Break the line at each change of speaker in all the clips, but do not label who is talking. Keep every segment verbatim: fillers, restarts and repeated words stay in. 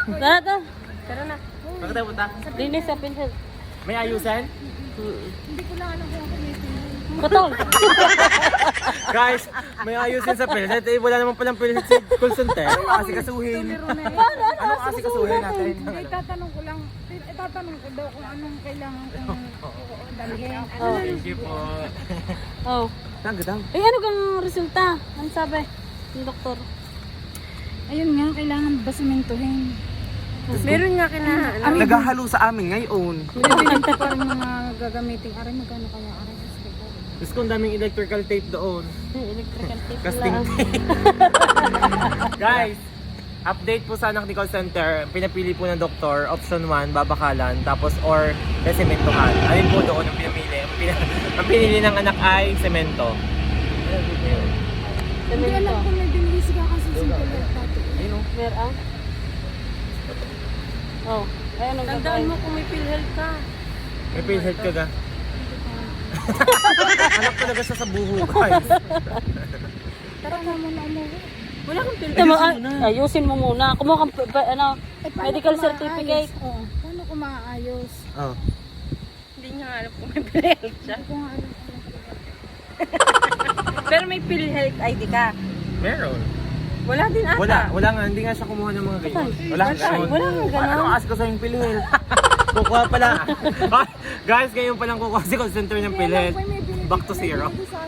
Tara, tara.
Tara na.
Bakit tayo punta?
Linis sa PhilHealth.
May ayusan?
Hindi ko lang alam kung ako may pinili.
Patol.
Guys, may ayusin sa PhilHealth. Eh, wala naman palang PhilHealth sa call center. Ano kasi kasuhin? Ano kasi kasuhin natin?
Hindi, tatanong ko lang. Itatanong ko daw kung anong kailangan kong dalhin.
Oh.
Thank you po.
Oh.
Ang gadang.
Eh, ano kang resulta? Ano sabi ng doktor?
Ayun nga, kailangan basimentohin. Meron nga kailangan.
Naghahalo sa amin ngayon.
Bibili ko pa rin mga gagamitin. Aray, magkano kaya? Aray,
Gusto kong daming electrical tape doon.
Electrical tape
Casting
lang.
tape. Guys, update po sa anak ni call center. Pinapili po ng doktor. Option one, babakalan. Tapos or sementohan. Alin po doon ang pinamili? Ang, pin ang pinili ng anak ay semento.
hindi alam kung may binili sila kasi simple lang dati.
Ayun o.
Meron? Oh. Ay, anong
Tandaan
gagawin?
mo kung may PhilHealth ka.
May PhilHealth ka ga? Anak talaga siya sa buho, guys.
Tara na muna umuwi. Wala kang
Ito
PhilHealth.
mo, ay, ayusin mo muna. Kumuha kang pa- pa- ano,
Eh, paano
medical
ko
certificate.
maayos? Oo. Paano ko maayos?
Oh.
Hindi niya alam kung may PhilHealth siya. Hindi ko nga alam kung may PhilHealth. Pero may PhilHealth I D ka?
Meron.
Wala din ata.
Wala, wala nga. Hindi nga siya kumuha ng mga ganyan. Wala nga ganun.
Wala nga ganun.
Ano ask ko sa yung PhilHealth? Kukuha pala. Guys, ngayon palang kukuha si call center ng PhilHealth. Back to zero.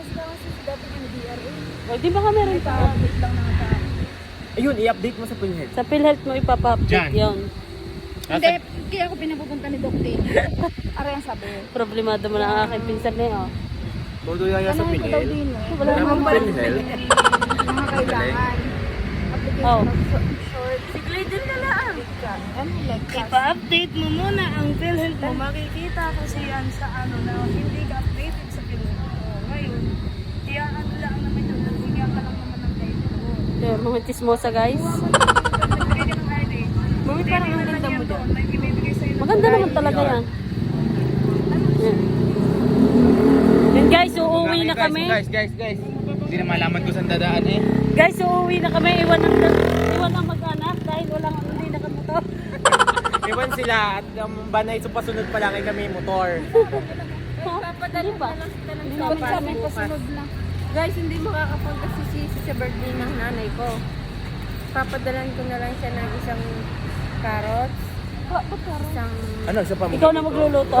O, di ba ka meron pa?
Ayun, i-update mo sa PhilHealth.
Sa PhilHealth mo ipapa-update
Diyan.
yun.
Hindi, kaya ako pinapupunta ni Doc Dane. Aray ang sabi.
Problemado mo na ang aking pinsan na yun. oh.
Todo yaya sa
Tanongin ko daw
PhilHealth.
din eh.
Wala
Wala
namang
namang PhilHealth.
Mga kailangan.
Oh.
Application of short. Sige, din na lang. Ano, like that.
Ipa-update mo muna ang PhilHealth mo. Makikita kasi yan sa ano na hindi ka updated sa PhilHealth mo. Ngayon, kaya ano lang naman yun. Bigyan ka lang naman ng date mo.
Yeah, mga chismosa guys.
Nagbigay ka ng I D.
Mami, parang ang ganda mo doon.
May ibibigay sa'yo ng
Maganda naman talaga yan. Yan. Yan guys, uuwi na kami.
Guys, guys, guys. Hindi na malaman ko saan dadaan eh.
Guys, uuwi na kami. Iwan ng, iwan ng mag-anak dahil walang hindi nakamotor.
Iwan sila at ang banay so pasunod pa lang ay kami motor.
Papadali
ba?
pa lang sila ng
Hindi
sopas
namin sabi
bukas.
pasunod lang.
Guys, hindi makakapunta si Sisi sa birthday ng nanay ko. Papadalan ko na lang siya ng isang carrots,
Ba, ba't parang?
isang...
Ano, isa pa mo?
Ikaw na magluluto.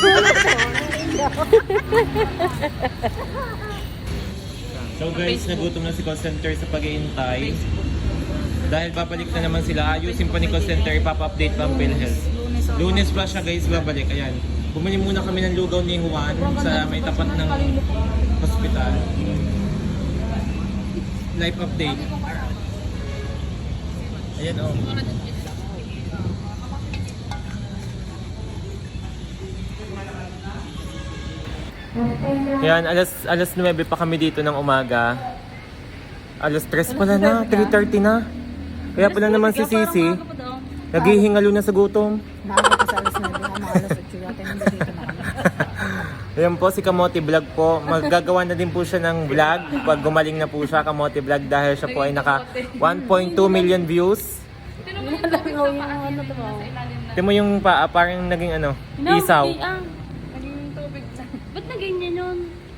So guys, nagutom na si call center sa pag-iintay. Dahil babalik na naman sila, ayusin pa ni call center, ipapa-update pa ang PhilHealth. Lunes pa siya guys, babalik. Ayan. Bumili muna kami ng lugaw ni Juan sa may tapat ng hospital. Live update. Ayan o. Oh. Ayan, alas, alas nuwebe pa kami dito ng umaga. Alas tres pala na, three thirty na. Kaya pala naman si Sisi, naghihingalo na sa gutom.
Maaga pa sa alas na mga alas at yata hindi dito na kami.
Ayan po si Kamote Vlog po. Maggagawa na din po siya ng vlog pag gumaling na po siya, Kamote Vlog, dahil siya po ay naka one point two million views.
Nalagaw yung ano to ba?
Ito mo yung pa, parang naging ano, isaw.
Naging tubig sa... Ba't na ganyan yun?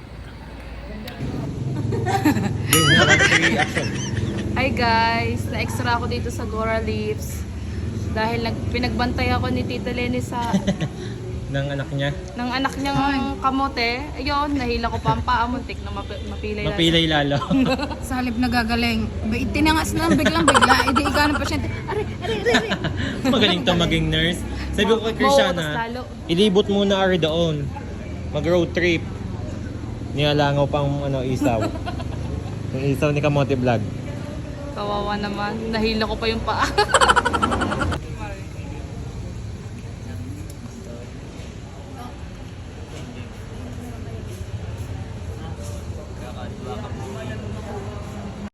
Hi guys! Na-extra ako dito sa Gora Leaves. Dahil nag pinagbantay ako ni Tita Lenny sa...
ng anak niya.
ng anak niyang kamote. Ayun, nahila ko pa ang paa. Muntik na mapi mapilay lang.
Mapilay lalo.
Sa halip nagagaling, ba- tinangas na biglang bigla, edi ikaw ng pasyente. Aray, aray, aray, aray.
Magaling to maging nurse. Sabi ko kay
Mauutos
Krishana,
lalo.
ilibot muna ari doon. Mag-road trip. Nialangaw pang ano, isaw. Yung isaw ni Kamote Vlog.
Kawawa naman. Nahila ko pa yung paa.